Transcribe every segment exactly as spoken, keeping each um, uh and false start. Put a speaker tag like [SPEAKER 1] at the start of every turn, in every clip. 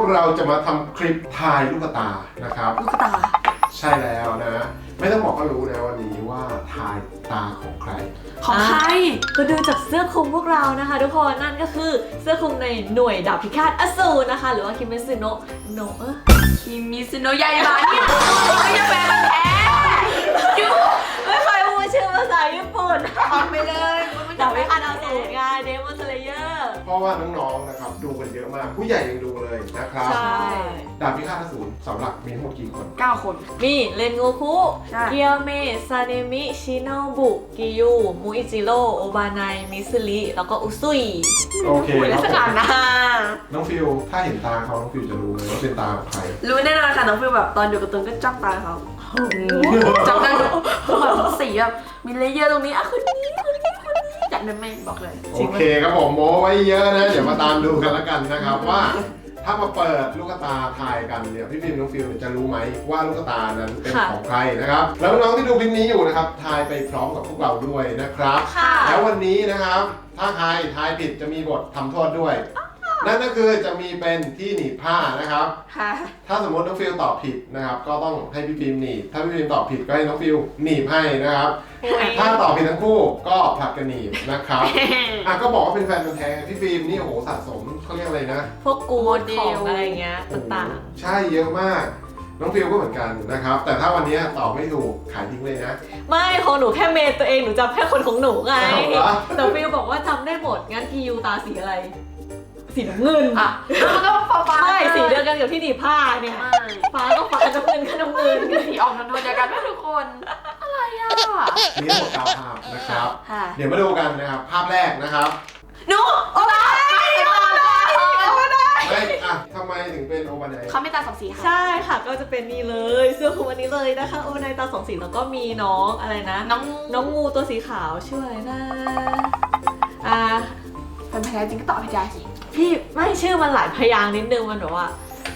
[SPEAKER 1] กเราจะมาทำคลิปทายลูกตานะครับ
[SPEAKER 2] ลูกตา
[SPEAKER 1] ใช่แล้วนะไม่ต้องบอกก็รู้นะวันนี้ว่าทายตาของใคร
[SPEAKER 2] ของใคร
[SPEAKER 3] ก็ดูจากเสื้อคลุมพวกเรานะคะทุกคนนั่นก็คือเสื้อคลุมในหน่วยดาบพิฆาตอสูรนะคะหรือว่าคิเมซึโนะโนะเออ
[SPEAKER 2] คิมิซึโนะยายบานี่ไม่ใช่แฟนมันแท้ยู
[SPEAKER 3] ไม่เคยพูดชื่อภาษาญี่ปุ่น
[SPEAKER 2] ออกไปเลย
[SPEAKER 3] ดาบพิฆาตอสูรไงเดมอนสเลเยอร์
[SPEAKER 1] เพราะว่าน้องๆนะครับดูกันเยอะมากผู้ใหญ่ยังดูเลยนะครับ
[SPEAKER 3] ใช่
[SPEAKER 1] ดาบพิฆาตอสูรสำหรับมีทั้งหมดกี่คน
[SPEAKER 2] เก้าคน
[SPEAKER 3] มีเรนโงคุเกียวเมะซาเนมิชิโนบุกิยูมูอิจิโร่โอบานายมิซึริแล้วก็อุซุย
[SPEAKER 1] โอเคครับผม
[SPEAKER 2] นะ
[SPEAKER 1] น้องฟิวถ้าเห็นตาเขาน้องฟิวจะรู้เลยว่าเป็นตาของใคร
[SPEAKER 2] รู้แน่นอนค่ะน้องฟิวแบบตอนอยู่กับตูนก็จ้องตาเขาจำได้แบบสีแบบมีเลเยอร์ตรงนี้อ่ะคนนี้คนนี้คนนี้จัดได้ไหมบอกเลย
[SPEAKER 1] โอเคครับผมโม้ไว้เยอะนะเดี๋ยวมาตามดูกันแล้วกันนะครับว่าถ้ามาเปิดลูกตาทายกันเนี่ยพี่ฟิล์มน้องฟิลจะรู้ไหมว่าลูกตานั้นเป็นของใครนะครับแล้วน้องที่ดูคลิปนี้อยู่นะครับทายไปพร้อมกับพวกเราด้วยนะครับแล้ววันนี้นะครับถ้าใครทายผิดจะมีบททำโทษด้วยนั่นก็คือจะมีเป็นที่หนีบผ้านะครับถ้าสมมติน้องฟิลตอบผิดนะครับก็ต้องให้พี่ฟิล์มหนีบถ้าพี่ฟิล์มตอบผิดก็ให้น้องฟิลหนีบให้นะครับถ้าตอบผิดทั้งคู่ก็ผลัดกันหนีบนะครับอ่ะก็บอกว่าเป็นแฟนมันแท้พี่ฟิล์มนี่โอ้โหสะสมเขาเรียกอะไรนะ
[SPEAKER 3] พวกกูดของอะไรเงี้ยต่าง
[SPEAKER 1] ๆใช่เยอะมากน้องฟิลก็เหมือนกันนะครับแต่ถ้าวันนี้ตอบไม่ถูกขายทิ้งเลยนะ
[SPEAKER 3] ไม่ของหนูแค่เมย์ตัวเองหนูจำแค่คนของหนูไงแต่ฟิลบอกว่าจำได้หมดงั้นทียูตาสีอะไรสีน้ำเงิน
[SPEAKER 2] อ่ะมันก็ฟ้าฟ้า
[SPEAKER 3] ใช่สีเดียวกันกับที่หนีผ้าเนี่ยฟ้าก็ฟ้าน้ำเงินก็น้ำเงิน
[SPEAKER 2] สีออกน้ำเงินเดียวกันทุกคนอะไรอ่ะ
[SPEAKER 1] มีทั้งหมดเก้าภาพนะครับเดี๋ยวมาดูกันนะครับภาพแรกนะครับ
[SPEAKER 2] หนูโอบานายโอบานายโอบานาย
[SPEAKER 1] ไม่อ่ะทำไมถึงเป็นโอบานาย
[SPEAKER 2] เขาไม่ตาสองสีค่ะ
[SPEAKER 3] ใช่ค่ะก็จะเป็นนี่เลยเสื้อคลุมอันนี้เลยนะคะโอบานายตาสองสีแล้วก็มีน้องอะไรนะ
[SPEAKER 2] น้อง
[SPEAKER 3] น้องงูตัวสีขาวชื่ออะไรนะอ่า
[SPEAKER 2] เป็นพยานจริงก็ตอบให้ได้สิ
[SPEAKER 3] พี่ไม่ชื่อมันหลายพยางนิดนึงมันแบบว่า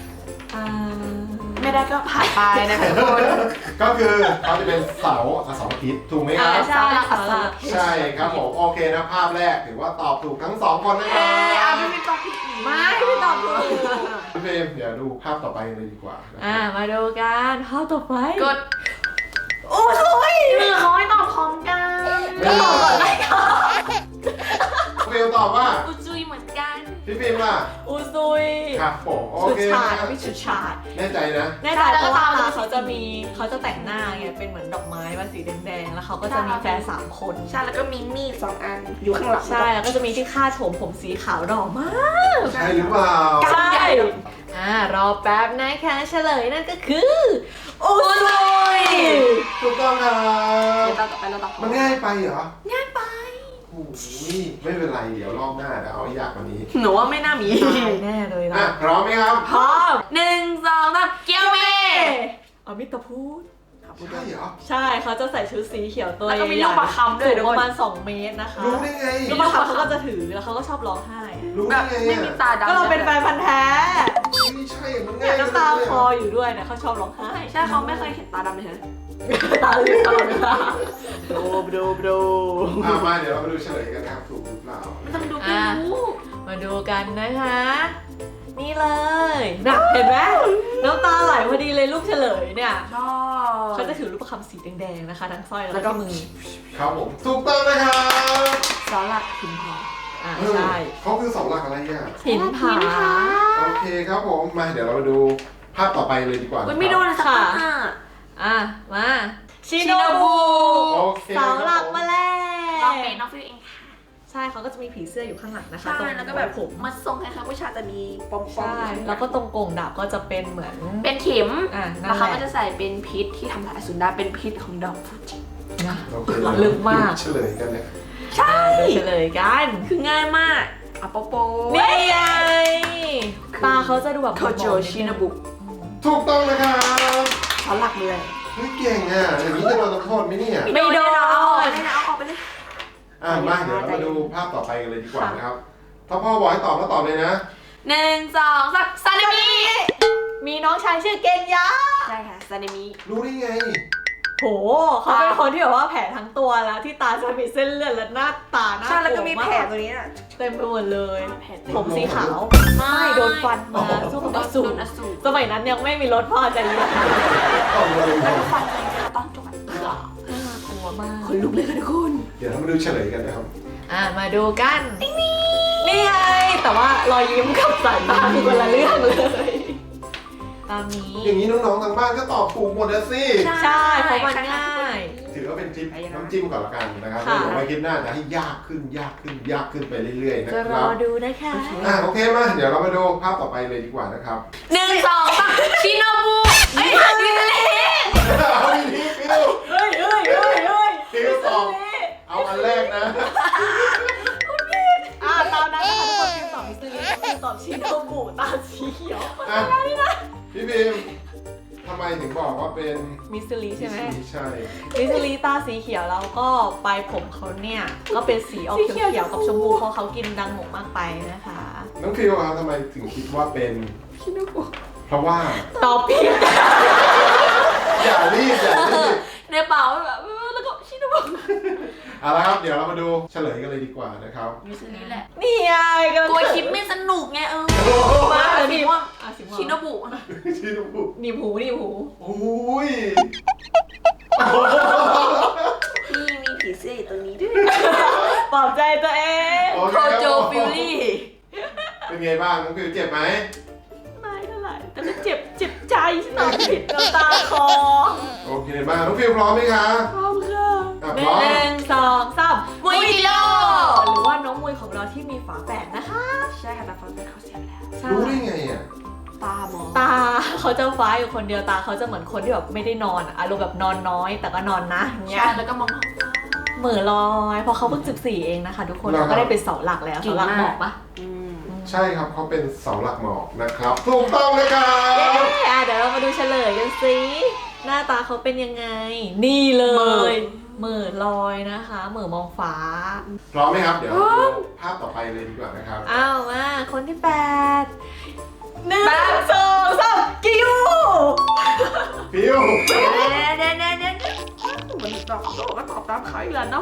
[SPEAKER 2] ไม่ได้ก็ผ่านไปนะคะทุกคน
[SPEAKER 1] ก็คือเขาจะเป็นเสาเสาอาทิตย์ถูกไหมครับ
[SPEAKER 3] ใช่
[SPEAKER 1] ใช่ครับผมโอเคนะภาพแรกถือว่าตอบถูกทั้งสองคนนะครับ
[SPEAKER 2] อ่ะไม่เป็นตอบผิด
[SPEAKER 3] ไม่ไม่ตอบถูก
[SPEAKER 1] พี่เฟรมเดี๋ยวดูภาพต่อไปเลยดีกว่า
[SPEAKER 3] อ่ามาดูกันภาพต่อไป
[SPEAKER 2] กดโอ้ยมือเขาให้ตอบพร้อมกัน
[SPEAKER 3] ก็ตอบก่อนได้ค่ะ
[SPEAKER 1] เฟรมตอบว่า
[SPEAKER 2] อุจุยเหมือนกัน
[SPEAKER 1] พี่ฟิล์มล่ะ
[SPEAKER 3] อุซุย
[SPEAKER 1] ครับผมโอเค
[SPEAKER 3] ชุดฉาดพี่ชุดฉาด
[SPEAKER 1] แน่ใจนะ
[SPEAKER 3] แน่ใจเพราะว่าตาเขาจะมีเขาจะแต่งหน้าไงเป็นเหมือนดอกไม้มาสีแดงๆแล้วเขาก็จะมีแฟนสามคน
[SPEAKER 2] ใช่แล้วก็มีมีดสองอันอยู่ข้างหลัง
[SPEAKER 3] ใช่แล้วก็จะมีที่คาดผมผมสีขาวดอกมาก
[SPEAKER 1] ใช่หรือเปล่า
[SPEAKER 3] ใช่อ่ารอแป๊บนะคะเฉลยนั่นก็คืออุซุย
[SPEAKER 1] ถูกต้องครับ
[SPEAKER 2] ต่อไปเราต่อ
[SPEAKER 1] มันง่ายไปเหรอ
[SPEAKER 2] ง่ายไป
[SPEAKER 1] โอ้ยไม่เป็นไรเดี๋ยวรอบหน้าเดี๋ยวเอายากกว่านี้
[SPEAKER 2] หนูว่าไม่น่ามี
[SPEAKER 3] แน่เลยนะ
[SPEAKER 1] พร้อมไหมครับ
[SPEAKER 3] พร้อม
[SPEAKER 2] หนึ่งสองสามเกียวเม
[SPEAKER 3] อมิตรพูด
[SPEAKER 1] ใช่เหรอ
[SPEAKER 3] ใช่เขาจะใส่ชุดสีเขียวตัวใหญ่
[SPEAKER 2] แล้วก็มีลูกประคำด้วย
[SPEAKER 3] ประมาณสองเมตรนะคะ
[SPEAKER 1] รู้ได้ไง
[SPEAKER 3] ลูกประคำเขาก็จะถือแล้วเขาก็ชอบร้องไห้
[SPEAKER 1] รู้ได้ไง
[SPEAKER 2] ไม่มีตาดำ
[SPEAKER 3] ก็เราเป็นแฟนพันธ์แท้
[SPEAKER 1] ไม่ใช่มันง่าย
[SPEAKER 3] ก็ตาคออยู่ด้วยเนี่ยเขาชอบร้องไห้
[SPEAKER 2] ใช่เขาไม่เคยเห็นตาดำเลย
[SPEAKER 3] ตาเหลือกตลอดเวลา
[SPEAKER 2] ดูดูดู
[SPEAKER 1] มาเดี๋ยวเรามาดูเฉลยกันนะครับถูกหรือเปล่า
[SPEAKER 2] ไม่ต้องดูไปดู
[SPEAKER 3] มาดูกันนะคะนี่เลยนะเห็นไหมน้ำตาไหลพอดีเลยรูปเฉลยเนี่ยเขาจะถือรูปประคำสีแดงๆนะคะทั้งสร้อยแล้วก็มือ
[SPEAKER 1] ครับผมถูกต้องนะครับ
[SPEAKER 2] เสาหลักหินผา
[SPEAKER 3] อ่าใช่
[SPEAKER 1] เขาคือเสาหลักอะไรอ่ะ
[SPEAKER 3] หินผา
[SPEAKER 1] โอเคครับผมมาเดี๋ยวเรามาดูภาพต่อไปเลยดีกว่า
[SPEAKER 2] ไม่โดนค่ะ
[SPEAKER 3] อ่ะมาชิโนบุเสาหลักมาแล้ว
[SPEAKER 2] เราเป็นน้องฟิวเองค่ะ
[SPEAKER 3] ใช่เขาก็จะมีผีเสื้ออยู่ข้างหลังนะคะ
[SPEAKER 2] ตรงแล้วก็แบบผมมาทรงคล้ายๆผู้ชายจะมีปอมๆใช่
[SPEAKER 3] แล้วก็ตรงโก่งดาบก็จะเป็นเหมือน
[SPEAKER 2] เป็นเข็ม
[SPEAKER 3] อ่ะ
[SPEAKER 2] แล้วเขาก็จะใส่เป็นพิษที่ทำลายอสูรได้เป็นพิษของดอกฟูจิ
[SPEAKER 3] นะลึกมาก
[SPEAKER 1] เฉลยกันเลย
[SPEAKER 3] ใช่เฉลยกัน
[SPEAKER 2] คือง่ายมากอะโปโป
[SPEAKER 3] นี่ไงตาเขาจะดูแบบ
[SPEAKER 2] โคโจชินาบุ
[SPEAKER 1] ถูกต้องนะครับ
[SPEAKER 2] เขาหลักเลย
[SPEAKER 1] เฮ้ยเก่งอ่ะอย่างนี้จะโดนลงโทษไหมเนี่ย
[SPEAKER 3] ไม่โดน
[SPEAKER 2] เอาออกไปเลยเอาออกไปเลย
[SPEAKER 1] อ่ะมาเดี๋ยวเรามาดูภาพต่อไปกันเลยดีกว่านะครับถ้าพ่อบอกให้ตอบก็ตอบเลยนะ
[SPEAKER 2] หนึ่งสองสามซาเนมิ
[SPEAKER 3] มีน้องชายชื่อเกนยะ
[SPEAKER 2] ใช่ค่ะซาเนมิ
[SPEAKER 1] รู้ได้ไง
[SPEAKER 3] โหเขาเป็นคนที่แบบว่าแผลทั้งตัวแล้วที่ตาจะมีเส้นเลือดและหน้าตาหน้า
[SPEAKER 2] ใช่แล้วก็มี
[SPEAKER 3] โกรธ
[SPEAKER 2] แผล
[SPEAKER 3] มาก
[SPEAKER 2] ตัวนี้น่ะ
[SPEAKER 3] เต็มไปหมดเลย
[SPEAKER 2] แผลเต็ม
[SPEAKER 3] ผมสีขาวไม่โดนฟันมาสู้กับอสู
[SPEAKER 2] โด
[SPEAKER 3] ร
[SPEAKER 2] นอสูร
[SPEAKER 3] สมัยนั้นยังไม่มีรถพ่อใจเย็น
[SPEAKER 1] ต้องมาดู
[SPEAKER 2] แล้วก็ฟันเลยค่ะตอนจบแบบ
[SPEAKER 3] น่ากลัวมาก
[SPEAKER 2] คนลุกเลยค่ะทุกคน
[SPEAKER 1] เดี๋ยวเรามาดูเฉลยกันนะครับ
[SPEAKER 3] อ่ะมาดูกันนี่ไงแต่ว่ารอยยิ้มกับสายตาคือคนละเรื่องเลยตามนี้
[SPEAKER 1] อย่างนี้น้องๆทางบ้านก็ตอบถูกหมดแล้วสิ
[SPEAKER 3] ใช่เพราะมันง่าย
[SPEAKER 1] ถือว่าเป็นจิ้มน้ำจิ้มก่อนละกันนะครับ
[SPEAKER 3] ค่ะ
[SPEAKER 1] เดี๋ยวไว้คลิปหน้าจะให้ยากขึ้นยากขึ้นยากขึ้นไปเรื่อยๆนะ
[SPEAKER 3] จะ
[SPEAKER 1] ค
[SPEAKER 3] ร
[SPEAKER 1] รั
[SPEAKER 3] อบ ดูนะคะ
[SPEAKER 1] อ่ะโอเคมาเดี๋ยวเรามาดูภาพต่อไปเลยดีกว่านะครับ
[SPEAKER 2] หนึ่งสองสามชิโนบุไอ้ดิเล
[SPEAKER 1] เอาดีๆฟิว
[SPEAKER 3] เฮ้ยเฮ้ยเฮ้ยเฮ้ย
[SPEAKER 1] ฟิวตอบเอาอันแรกนะ
[SPEAKER 3] อ่ะตามนั้นนะคะทุกคนพิมพ์ตอบมิสซิลี่พิมพ์ตอบชิโนบุตาสีเขียว
[SPEAKER 1] อ่ะพี่พิมทำไมถึงบอกว่าเป็น
[SPEAKER 3] มิสซิลี่ใช่ไหม
[SPEAKER 1] ใช่
[SPEAKER 3] มิสซิลี่ตาสีเขียวแล้วก็ปลายผมเขาเนี่ยก็เป็นสีออกเขียวๆกับชมพูเพราะเขากินดังหมกมากไปนะคะ
[SPEAKER 1] น้องฟิวครับทำไมถึงคิดว่าเป็น
[SPEAKER 2] ชิโนบุ
[SPEAKER 1] เพราะว่า
[SPEAKER 3] ตอบผิด
[SPEAKER 1] อย่ารีบอย่ารีบ
[SPEAKER 2] ในเป่าแบบแล้วก็ชิโนบุ
[SPEAKER 1] เอาละครับเดี๋ยวเรามาดูเฉลยกันเลยดีกว่านะครับ
[SPEAKER 2] มิสนี่แหละ
[SPEAKER 3] นี่ไงกำลัง
[SPEAKER 2] กลัวคลิปไม่สนุกไงเออ
[SPEAKER 3] มาเลย
[SPEAKER 2] สี
[SPEAKER 3] สี
[SPEAKER 2] ม่
[SPEAKER 3] ม่
[SPEAKER 2] ว
[SPEAKER 3] ว
[SPEAKER 2] ง
[SPEAKER 3] งอ่ะสีม่วง
[SPEAKER 2] ชิโนบุ
[SPEAKER 1] ชิโนบุ
[SPEAKER 3] หนีบหูหนีบหู
[SPEAKER 1] โอ้ย
[SPEAKER 2] พี่มีผีเสื้ออยู่ตรงนี้ด้วย
[SPEAKER 3] ปลอบใจตัวเอง
[SPEAKER 1] โอ
[SPEAKER 2] โค
[SPEAKER 1] เค
[SPEAKER 2] โจฟิลลี่
[SPEAKER 1] เป็นไงบ้างน้องฟิวเจ็บไหม
[SPEAKER 3] ไม่เท่าไหร่แต่ก็เจ็บเจ็บใจที่ตอบผิดน้ำตาคอ
[SPEAKER 1] โอเคมากน้องฟิวพร้อมไหมคะ
[SPEAKER 3] พร้อมค่ะ
[SPEAKER 1] อ่ะ
[SPEAKER 3] ห
[SPEAKER 1] พร้อม
[SPEAKER 3] นึ่งสองสาม
[SPEAKER 2] มุยโล
[SPEAKER 3] หรือว่าน้องมวยของเราที่มีฝาแฝดนะคะ
[SPEAKER 2] ใช่ค่ะแต่ฟันเป็นเขาเสียไปแล้ว
[SPEAKER 3] ใช่
[SPEAKER 1] รู้ได้ไงอ่ะ
[SPEAKER 2] ตาหมอ
[SPEAKER 3] ตาเขาจะฟ้าอยู่คนเดียวตาเขาจะเหมือนคนที่แบบไม่ได้นอนอะอารมณ์แบบนอนน้อยแต่ก็นอนนะอย่างเงี้
[SPEAKER 2] ใช่
[SPEAKER 3] ย
[SPEAKER 2] แล้วก็มอง
[SPEAKER 3] เหมือลอยเพราะเขาเพิ่งสิบสี่เองนะคะทุกคนเราก็ได้เป็นเสาหลักแล้วเสาหลักบอกปะ
[SPEAKER 2] อืม
[SPEAKER 1] ใช่ครับเขาเป็นเสาหลักหมอกนะครับถูกต้องเลยครับ
[SPEAKER 3] เย้อ่ะเดี๋ยวเรามาดูเฉลยกันสิหน้าตาเขาเป็นยังไง นี่เลยเหมือลอยนะคะเหมือมองฟ้า
[SPEAKER 1] พร้อมไหมครับเดี๋ยวเราดูภาพต่อไปเลยดีกว่านะครับ
[SPEAKER 3] อ้าวมาคนที่แปดหนึ่งสองสามกิว
[SPEAKER 1] ฟิว
[SPEAKER 2] เน่เน่เน่เน่เหมือนตอบโต้ก็ตอบตามเขาอีกแล้วเนาะ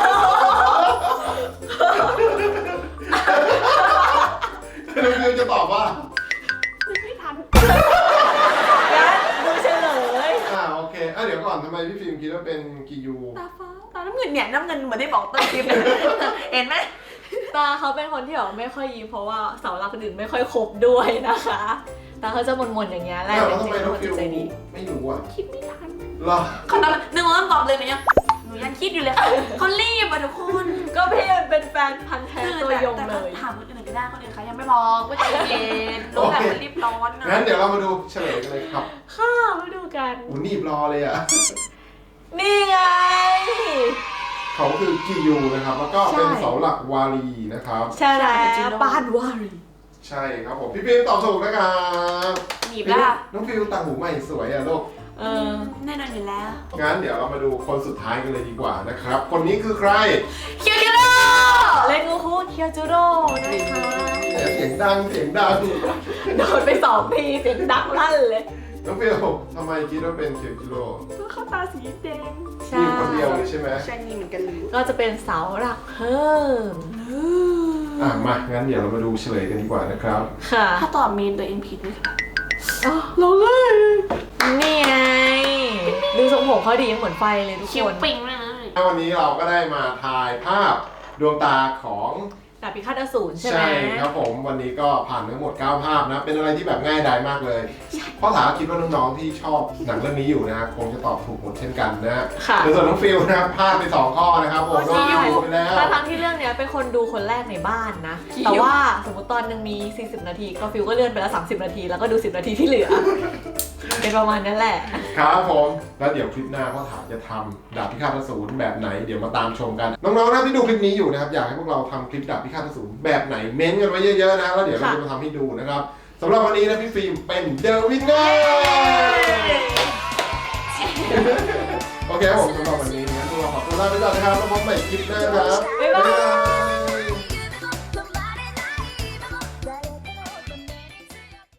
[SPEAKER 1] น้องฟิวจะตอบว่า
[SPEAKER 2] ไม่ทัน
[SPEAKER 3] งั้นดูเฉลย
[SPEAKER 1] อ่าโอเคอ่ะเดี๋ยวก่อนทำไมพี่ฟิล์มคิดว่าเป็นกิยู
[SPEAKER 2] ตาฟ้าตาน้ำเงินเนี่ยน้ำเงินเหมือนได้บอกต้นคลิปเลยเห็นไหม
[SPEAKER 3] ตาเขาเป็นคนที่แบบไม่ค่อยยิ้มเพราะว่าเสาหลักคนอื่นไม่ค่อยครบด้วยนะคะ ตาเขาจะมนๆอย่างเงี้ยแหละ
[SPEAKER 1] แล้ว
[SPEAKER 3] เป็น
[SPEAKER 1] ทำไม
[SPEAKER 3] จริง
[SPEAKER 1] น้อง
[SPEAKER 3] ๆคน
[SPEAKER 1] ฟิว
[SPEAKER 3] ใจดี
[SPEAKER 1] ไม่รู้อ่ะ
[SPEAKER 2] คิดไม่ทัน
[SPEAKER 1] เหรอ
[SPEAKER 2] เขาตอนหนึ่งวันตอบเลยหนูยังหนูยังคิดอยู่เลยเขารีบอ่ะทุกคน
[SPEAKER 3] ก็พี่มันเป็นแฟนพันธ์แท้ตัวยงเลย
[SPEAKER 2] ถามคนอื่นก็ได้คนอื่นเขายังไม่บอกว่าใจเย็นรู้แบบมันรีบร้อนนะ
[SPEAKER 1] งั้นเดี๋ยวเรามาดูเฉลยกันเลยครับ
[SPEAKER 3] ค่ะมาดูกัน
[SPEAKER 1] อูนีบรอเลยอ่ะ
[SPEAKER 3] นี่ไง
[SPEAKER 1] เขาคือกิยูนะครับแล้วก็เป็นเสาหลักวารีนะครับ
[SPEAKER 3] ใช่แล้วบ้านวารี
[SPEAKER 1] ใช่ครับผมพี่ฟิล์มตอบถูกนะครับ
[SPEAKER 2] หนีบแล้ว
[SPEAKER 1] น้องฟิวต่างหูใหม่สวยอ่ะลูก
[SPEAKER 3] เออ
[SPEAKER 2] แน่นอนอยู่แล้ว
[SPEAKER 1] งั้นเดี๋ยวเรามาดูคนสุดท้ายกันเลยดีกว่านะครับ คนนี้คือใคร
[SPEAKER 2] เคียวเคียวโร่
[SPEAKER 3] เล่นงูคุเคียวจูโร่นะคะ
[SPEAKER 1] เนี่ยเสียงดังเสียงดัง
[SPEAKER 3] โดนไปสองทีเสียงดังลั่นเลย
[SPEAKER 1] น้องฟิวทำไมคิดว่าเป็นเคียวกิโล
[SPEAKER 2] ก็เข้าตาสีแดง
[SPEAKER 3] ใช่
[SPEAKER 1] มีคนเดียวเลยใช่ไหม
[SPEAKER 2] ใช่นี่เหมือนกันเลย
[SPEAKER 3] ก็จะเป็นเสาหลักเพิ่ม
[SPEAKER 1] อ่ะมางั้นเดี๋ยวเรามาดูเฉลยกันดีกว่านะครับ
[SPEAKER 3] ค่ะ
[SPEAKER 2] ถ้าตอบเมนตัวเองผิดไหมคะ
[SPEAKER 3] เราเลยนี่ไงดูทรงผมเขาดีเหมือนไฟเลยทุก
[SPEAKER 2] คิว
[SPEAKER 3] คน
[SPEAKER 2] ปิงเลยนะ
[SPEAKER 1] วันนี้เราก็ได้มาถ่ายภาพดวงตาของ
[SPEAKER 3] ดาบพิฆาตอสูรใช่ไหม
[SPEAKER 1] ครับผมวันนี้ก็ผ่านทั้งหมดเก้าภาพนะ เป็นอะไรที่แบบง่ายดายมากเลยเพราะถามคิดว่าน้องๆที่ชอบหนังเรื่องนี้อยู่นะคงจะตอบถูกหมดเช่นกันนะ
[SPEAKER 3] ค่ะ
[SPEAKER 1] ในส่วนน้องฟิลนะครับพลาดไปสองข้อนะครับผมโดนคิวไปแล้ว
[SPEAKER 3] ทั้งที่เรื่องเนี้ยเป็นคนดูคนแรกในบ้านนะ แต่ว่าสมมติตอนหนึงมี สี่สิบ นาที ก็ฟิลก็เลื่อนไปแล้ว สามสิบ นาที แล้วก็ดู สิบ นาทีที่เหลือ เป็นประมาณนั้นแหละ
[SPEAKER 1] ครับผมแล้วเดี๋ยวคลิปหน้าพ่อถามจะทำดาบพิฆาตอสูรแบบไหนเดี๋ยวมาตามชมกัน น้องๆนะที่ดูคลิปนี้อยู่นะครับอยากให้พวกเราทำคลิปดาบพิฆาตอสูรแบบไหนเม้นต์กันไว้เยอะๆนะแล้วเดี๋ยวเราจะมาทำให้ดูนะครับสำหรับวันนี้นะพี่ฟิล์มเป็นเดอะวินเนอร์โอเคครับผมสำหรับวันนี้งั้นพวกเราขอตัวลาไปก่อนนะครับแล้วพบใหม่คลิปหน้าครับ
[SPEAKER 3] บ๊ายบาย